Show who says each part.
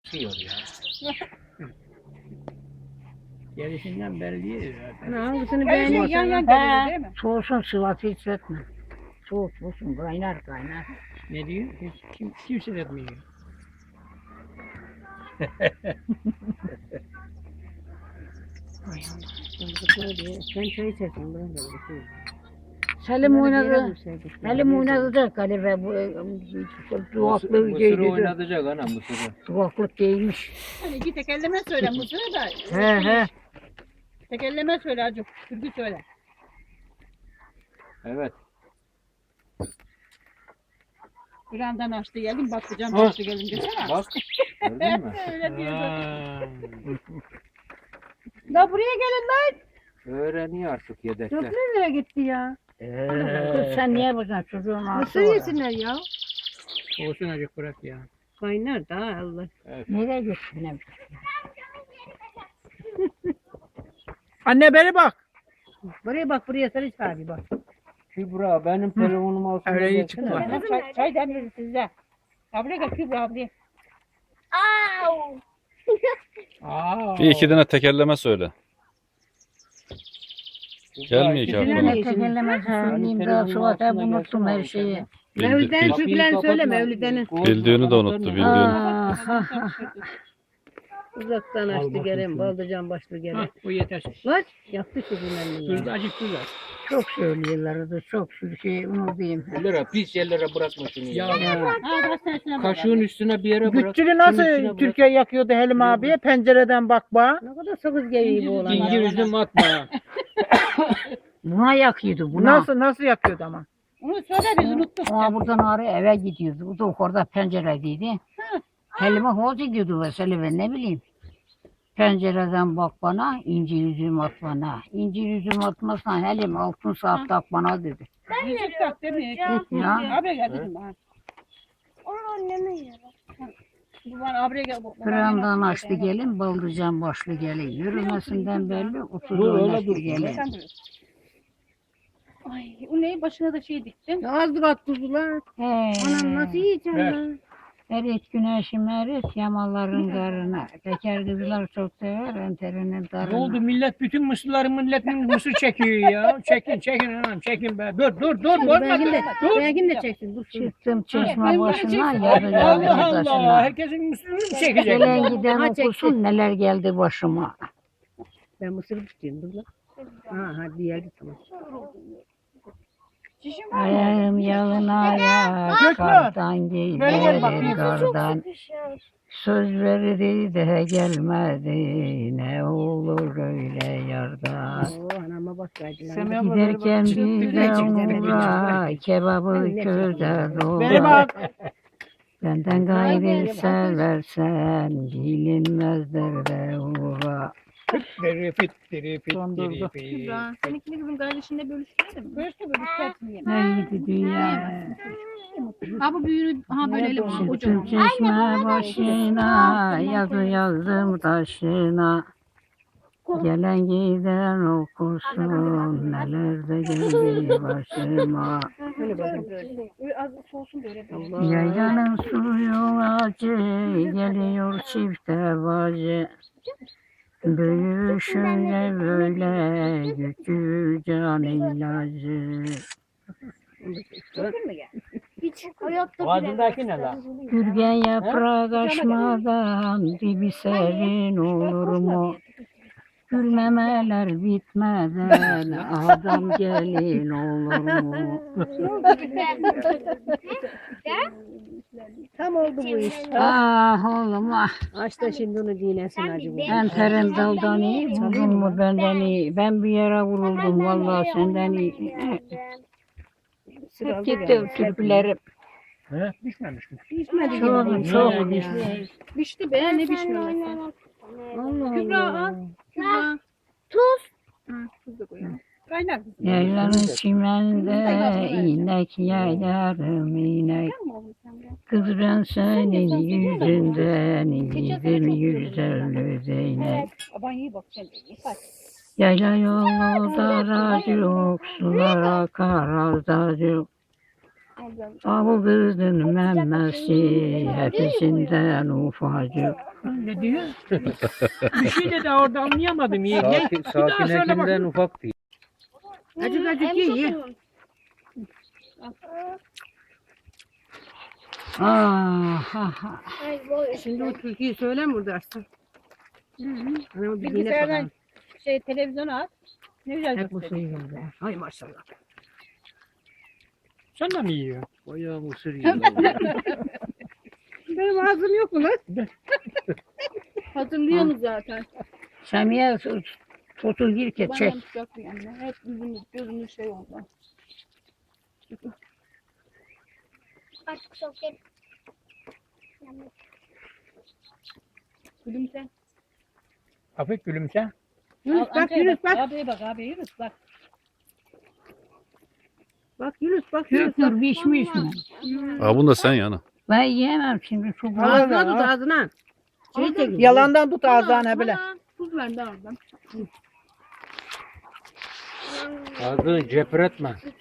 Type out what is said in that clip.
Speaker 1: tutuyor ya.
Speaker 2: Gelişinden belli değil zaten.
Speaker 3: Hangisini
Speaker 4: Yan yan
Speaker 3: beğeniyorsan?
Speaker 4: geliyor değil mi?
Speaker 3: Soğusun sıvası hissetme. Soğuk soğusun kaynar.
Speaker 2: Ne diyor? Kimse de etmiyor.
Speaker 3: Sen çay içersin ben de bir şey. Selim oynadı. Selim oynadı da galiba bu duvaklı
Speaker 1: Mısır'ı
Speaker 3: giydi.
Speaker 1: oynatacak ana Mısır'ı.
Speaker 3: Duvaklık giymiş.
Speaker 4: Hani iki tekerleme söyle Mısır'ı da.
Speaker 3: He.
Speaker 4: Tekerleme söyle acık. Türkü söyle.
Speaker 1: Evet.
Speaker 4: Bir andan açtı geldim, bakacağım açtı geldim desene.
Speaker 1: Bak. Gördün mü?
Speaker 4: Öyle diyor.
Speaker 2: Aa,
Speaker 4: La buraya gelin lan.
Speaker 1: Öğreniyor artık yedekler.
Speaker 4: Nereye gitti ya?
Speaker 3: Kız sen niye bakacaksın çocuğun ağzı
Speaker 4: Mısır
Speaker 3: var.
Speaker 4: yesinler ya.
Speaker 2: olsun acık bırak ya.
Speaker 4: Kaynar da Allah.
Speaker 3: Nereye gittin ne?
Speaker 2: Anne beni bak.
Speaker 4: Buraya bak, buraya sarı çağırıyor bak.
Speaker 1: Kübra benim telefonum olsun.
Speaker 2: Öyle iyi
Speaker 1: desene.
Speaker 2: çıkma.
Speaker 4: Çay demledi size. Abla gel Kübra abla.
Speaker 2: Aa.
Speaker 5: Bir iki tane tekerleme söyle.
Speaker 1: Kübra,
Speaker 5: Gelmiyor ki
Speaker 1: iki
Speaker 5: aklıma.
Speaker 1: tane-
Speaker 3: Ne tekerleme söyleyeyim daha
Speaker 1: telefonun
Speaker 3: sonra hep
Speaker 1: altına
Speaker 3: unuttum
Speaker 1: gelsene
Speaker 3: her şeyi.
Speaker 4: Mevlüt'ten
Speaker 5: Bil-
Speaker 4: Türklerini
Speaker 1: Kapıyı
Speaker 4: söyle
Speaker 1: kapatma.
Speaker 4: Mevlüt'ten.
Speaker 5: Bildiğini de unuttu, bildiğini.
Speaker 4: Uzaktan açtı gelen, baldırcan başlı
Speaker 2: Hah,
Speaker 4: gelen.
Speaker 2: bu yeter.
Speaker 4: Var, yaptı çocuğun
Speaker 2: Tuz da acık tuz at.
Speaker 3: Çok söylüyorlardı çok sürü şey unutayım.
Speaker 1: Yerlere, pis yerlere bırakma şunu ya. Kaşığın
Speaker 4: Kaşığın
Speaker 1: üstüne bir yere bırak.
Speaker 6: Güttülü
Speaker 1: şunun
Speaker 6: nasıl
Speaker 1: üstüne bırak.
Speaker 6: Türkiye yakıyordu Helim abiye? Pencereden bak bak.
Speaker 4: Ne kadar sakız geliyor bu olan.
Speaker 1: İncir üzüm atma.
Speaker 3: Buna yakıyordu buna.
Speaker 6: Nasıl yakıyordu ama?
Speaker 4: Onu söyle biz unuttuk.
Speaker 3: Ona buradan ağrı eve gidiyordu. Bu da orada penceredeydi. Helime hoca gidiyordu mesela ben ne bileyim. Pencereden bak bana, incir üzüm at bana. İncir üzüm atmazsan Helim altın saat tak bana dedi.
Speaker 4: İncir tak değil mi?
Speaker 3: Ya.
Speaker 4: Abre gel dedim ben.
Speaker 7: Onu anneme yiyor.
Speaker 4: Bu bana abre gel.
Speaker 3: Kıramdan açtı gelin, baldırcan başlı gelin. Yürümesinden belli, 30
Speaker 1: Dur, öyle
Speaker 3: oynaştı
Speaker 1: dur.
Speaker 3: gelin.
Speaker 4: Sen dur. Ay, o neyi başına da şey diktin.
Speaker 6: Azdır at kuzular.
Speaker 4: Anam nasıl yiyeceğim
Speaker 2: Ver.
Speaker 4: ben?
Speaker 3: Erit güneşim erit yamaların karına. Teker kızlar çok sever enterinin
Speaker 2: Ne
Speaker 3: darına.
Speaker 2: oldu millet bütün milletin mısır çekiyor ya. Çekin anam çekin be. Dur olmadı. Dur.
Speaker 4: Belgin de çeksin. Dur şunu.
Speaker 3: Çıktım çeşme başına yarı yarı
Speaker 2: Allah Allah.
Speaker 3: taşına.
Speaker 2: Herkesin mısırını mı çekecek?
Speaker 3: Gelen giden
Speaker 4: Ha, çekti.
Speaker 3: okusun neler geldi başıma.
Speaker 4: Ben mısırı tutayım dur lan. Ha hadi geldi tamam.
Speaker 3: Ayağım yalın ayak kardan giydim kardan. Söz verdi de gelmedi ne olur öyle yardan.
Speaker 4: Oo anama bak verdi lan.
Speaker 6: Semih abla böyle
Speaker 3: Giderken
Speaker 6: bak.
Speaker 3: bir de umura kebabı güzel
Speaker 6: Beni
Speaker 3: olur.
Speaker 6: bak.
Speaker 3: Benden gayrı seversen bilinmezler de uğra.
Speaker 6: Dondurdu.
Speaker 4: Kübra, seninkini kızım kardeşinle bölüştürelim mi? Bölüştü bölüştürsün yine.
Speaker 3: Ne gidi dünya.
Speaker 4: Ha bu büyüğünü, ha böyle eli var.
Speaker 3: Çıktım
Speaker 4: Kocaman.
Speaker 3: çeşme başına, yazı yazdım taşına. Gelen giden okusun, neler de geldi başıma.
Speaker 4: Böyle böyle. Az soğusun böyle.
Speaker 3: Yaylanın suyu acı, geliyor çifte bacı. Büyü şöyle böyle, gücü can ilacı.
Speaker 7: Hiç hayatta
Speaker 1: Ağzındaki ne la?
Speaker 3: Gürgen yaprak açmadan dibi serin olur mu? Gülmemeler bitmeden adam gelin olur mu?
Speaker 4: Tam oldu bu iş.
Speaker 3: Ah oğlum ah.
Speaker 4: Aç da şimdi onu dinesin acı bu.
Speaker 3: Enterin daldan iyi, vurdun mu benden iyi. Ben bir yere vuruldum vallahi senden iyi. Hep gitti türkülerim.
Speaker 2: He? Düşmemiş mi?
Speaker 4: Pişmedi
Speaker 3: Çok
Speaker 4: gibi.
Speaker 3: çok.
Speaker 4: Pişti be ne pişmiyor.
Speaker 3: Allah
Speaker 4: Kübra
Speaker 3: Allah.
Speaker 4: al. Kübra.
Speaker 7: Tuz.
Speaker 4: Tuz da koyalım. Kaynar kızım.
Speaker 3: Yaylanın çimende inek yayarım inek. Kız ben senin yüzünden yedim 150 değnek.
Speaker 4: Aban iyi bak sen. Hadi.
Speaker 3: Yayla yolu daracık, sular akar azacık. Avu kızın memesi hepsinden ufacık.
Speaker 2: Ne diyor? Bir şey dedi orada anlayamadım. İyi. Ne? Bir daha söyle
Speaker 1: Sakinekinden
Speaker 2: bakayım.
Speaker 1: ufak değil.
Speaker 2: Acık acık iyi.
Speaker 3: Ah, ah, ah.
Speaker 7: Ay boy.
Speaker 4: Şimdi o türküyü söyle mi burada Arslan? Hani bir Bilgisayardan televizyona at. Ne güzel
Speaker 2: Hep bu
Speaker 4: gösteriyor.
Speaker 2: suyu geldi.
Speaker 4: Ay maşallah.
Speaker 2: Sen de mi yiyor?
Speaker 1: Bayağı mısır yiyor.
Speaker 4: Benim ağzım yok mu lan? Hatırlıyorsunuz zaten.
Speaker 3: Samiye tutu gir ki
Speaker 4: Bana
Speaker 3: çek.
Speaker 4: yapacak bir yandan. Hep gözümüz şey oldu.
Speaker 7: Artık soket.
Speaker 4: Gülümse.
Speaker 2: Hafif gülümse.
Speaker 4: Yunus bak Yunus bak.
Speaker 8: Abi bak abi Yunus bak.
Speaker 4: Bak Yunus bak Yunus.
Speaker 3: Küfür pişmiş mi?
Speaker 5: Aa, bunu da sen yana.
Speaker 3: Ben yiyemem şimdi çok var.
Speaker 4: Ağzına tut ağzına. Şey çekin.
Speaker 6: Yalandan tut ağzına bile.
Speaker 4: Tuz ver de oradan.
Speaker 1: Ağzını cepretme.